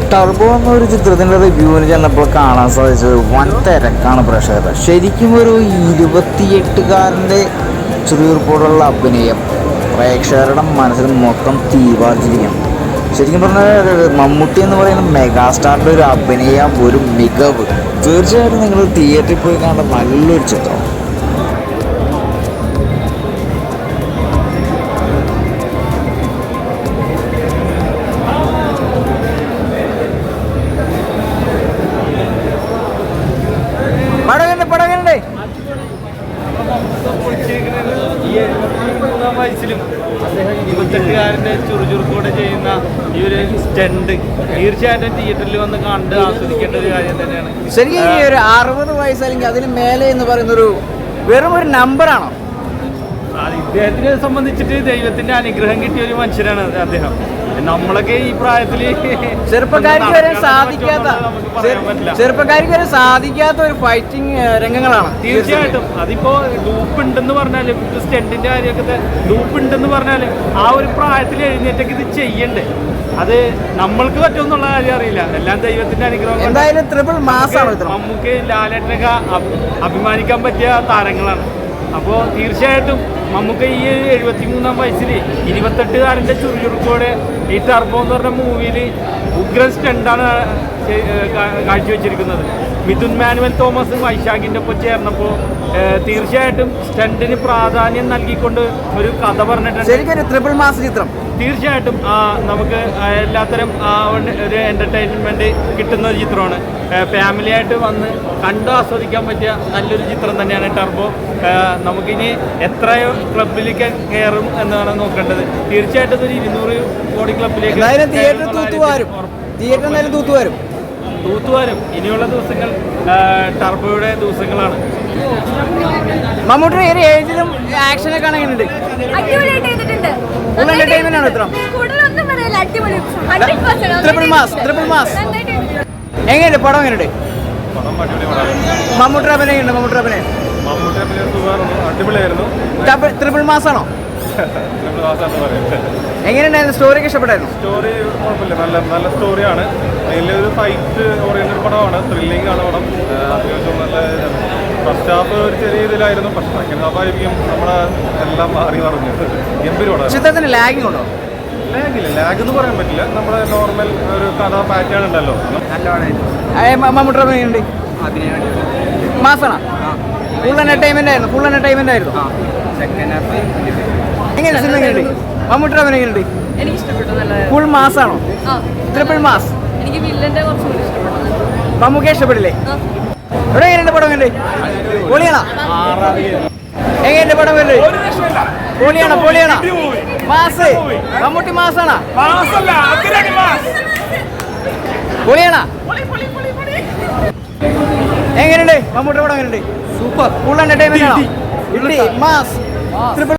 Turbo എന്നൊരു ചിത്രത്തിൻ്റെ റിവ്യൂവിന് ചെന്നപ്പോൾ കാണാൻ സാധിച്ചത് വൻ തിരക്കാണ് പ്രേക്ഷകരുടെ. ശരിക്കും ഒരു 28-കാരൻ്റെ ചുറുചുറുപ്പോടുള്ള അഭിനയം പ്രേക്ഷകരുടെ മനസ്സിൽ മൊത്തം തീവാർജിരിക്കണം. ശരിക്കും പറഞ്ഞാൽ മമ്മൂട്ടി എന്ന് പറയുന്ന മെഗാസ്റ്റാറിൻ്റെ ഒരു അഭിനയം, ഒരു മികവ് തീർച്ചയായിട്ടും നിങ്ങൾ തിയേറ്ററിൽ പോയി കാണേണ്ട നല്ലൊരു ചിത്രം. വയസ്സിലും അദ്ദേഹം 28-കാരൻ്റെ ചുറുചുറുക്കോടെ ചെയ്യുന്ന ഈ ഒരു സ്റ്റണ്ട് തീർച്ചയായിട്ടും തിയേറ്ററിൽ വന്ന് കണ്ട് ആസ്വദിക്കേണ്ട ഒരു കാര്യം തന്നെയാണ്. ശരിക്കും ഈ ഒരു 60 വയസ്സ് അല്ലെങ്കിൽ അതിന് മേലെ എന്ന് പറയുന്നൊരു വെറും ഒരു നമ്പറാണോ? ഇദ്ദേഹത്തിനെ സംബന്ധിച്ചിട്ട് ദൈവത്തിന്റെ അനുഗ്രഹം കിട്ടിയ ഒരു മനുഷ്യനാണ് അദ്ദേഹം. നമ്മളൊക്കെ ഈ പ്രായത്തിൽ ചെറുപ്പക്കാർക്ക് വരെ സാധിക്കാത്ത ഒരു ഫൈറ്റിംഗ് രംഗങ്ങളാണ്. തീർച്ചയായിട്ടും അതിപ്പോ ഡൂപ്പ് ഉണ്ടെന്ന് പറഞ്ഞാല് സ്റ്റണ്ടിന്റെ കാര്യമൊക്കെ ഡൂപ്പ് ഉണ്ടെന്ന് പറഞ്ഞാല് ആ ഒരു പ്രായത്തിൽ എഴുന്നേറ്റൊക്കെ ഇത് ചെയ്യണ്ടേ. അത് നമ്മൾക്ക് പറ്റുമെന്നുള്ള കാര്യം അറിയില്ല. എല്ലാം ദൈവത്തിന്റെ അനുഗ്രഹം. എന്തായാലും ട്രിപ്പിൾ മാസാണ് നമുക്ക് ലാലേട്ടനൊക്കെ അഭിമാനിക്കാൻ പറ്റിയ താരങ്ങളാണ്. അപ്പോൾ തീർച്ചയായിട്ടും നമുക്ക് ഈ 73-ാം വയസ്സിൽ 28-കാരൻ്റെ ചുറുചുറുക്കോടെ ഈ ടർബോ എന്ന് പറഞ്ഞ മൂവിയിൽ ഉഗ്രൻ സ്റ്റണ്ടാണ് കാഴ്ചവെച്ചിരിക്കുന്നത്. മിഥുൻ മാനുവൽ തോമസും വൈശാഖിൻ്റെ ഒപ്പം ചേർന്നപ്പോൾ തീർച്ചയായിട്ടും സ്റ്റണ്ടിന് പ്രാധാന്യം നൽകിക്കൊണ്ട് ഒരു കഥ പറഞ്ഞിട്ടുണ്ട്. ശരിക്കും ട്രിപ്പിൾ മാസ് ചിത്രം തീർച്ചയായിട്ടും നമുക്ക് എല്ലാത്തരം ഒരു എൻ്റർടൈൻമെൻറ്റ് കിട്ടുന്ന ഒരു ചിത്രമാണ്. ഫാമിലിയായിട്ട് വന്ന് കണ്ട് ആസ്വദിക്കാൻ പറ്റിയ നല്ലൊരു ചിത്രം തന്നെയാണ് ടർബോ. നമുക്കിനി എത്രയോ ക്ലബിലേക്ക് കയറും എന്നാണ് നോക്കേണ്ടത്. തീർച്ചയായിട്ടും ഒരു 200 കോടി ക്ലബിലേക്ക് തൂത്തുവാരും ഇനിയുള്ള ദിവസങ്ങൾ ടർബോയുടെ ദിവസങ്ങളാണ്. മമ്മൂട്ടിയുടെ ഏത് ഏജിലും ആക്ഷനൊക്കെ കാണാനുണ്ട്. എങ്ങനെയുണ്ട് പടം? എങ്ങനെയുണ്ട് മമ്മൂട്ടിയുടെ അഭിനയം? ട്രിപ്പിൾ മാസ് ആണോ? എങ്ങനെയുണ്ടായിരുന്നു? സ്റ്റോറിയൊക്കെ ഇഷ്ടപ്പെട്ടായിരുന്നു? സ്റ്റോറി കുഴപ്പമില്ല, നല്ല സ്റ്റോറിയാണ്. അതിലൊരു ഫൈറ്റ് ഓറിയന്റഡ് പടമാണ്, ത്രില്ലിംഗ് ആണ് പടം. അത്യാവശ്യം നല്ല ഫസ്റ്റ് ഹാഫ് ഒരു ചെറിയ ഇതിലായിരുന്നു, പക്ഷെ സെക്കൻഡ് ഹാഫ് ആയിരിക്കും നമ്മളെ എല്ലാം മാറി പറഞ്ഞത്. ഗംഭീര പടം. ചിത്രത്തിന് ലാഗിങ് ഉണ്ടോ? ലാഗില്ല, ലാഗ് എന്ന് പറയാൻ പറ്റില്ല. നമ്മുടെ നോർമൽ ഒരു കഥ പാറ്റേൺ ഉണ്ടല്ലോ. മമ്മൂട്ടി അഭിനയുണ്ട്, മാസാണ്. ഫുൾ എന്റർടൈൻമെന്റ് ആയിരുന്നു. എങ്ങനെയാണ് സിനിമ? എങ്ങനെയുണ്ട് മമ്മൂട്ടി അഭിനയുണ്ട്? എനിക്ക് ഇഷ്ടപ്പെട്ടു. ഫുൾ മാസാണോ? Triple mass. എനിക്ക് വില്ലന്റെ കുറച്ചുകൂടി ഇഷ്ടപ്പെട്ടു. മമ്മൂക്കെ ഇഷ്ടപ്പെടില്ലേ? ഇവിടെ എങ്ങനെയുണ്ട് പടം? പൊളിയാണോ? എങ്ങനെയുണ്ട് പടം? പൊളിയാണോ? മാസ്. മമ്മൂട്ടി മാസാണോ? പൊളിയാണോ? എങ്ങനെയുണ്ട് മമ്മൂട്ടി പടം? എങ്ങനെയുണ്ട്? സൂപ്പർ. ഫുൾ എന്റർടൈൻമെന്റ് ആണോ? മാസ്.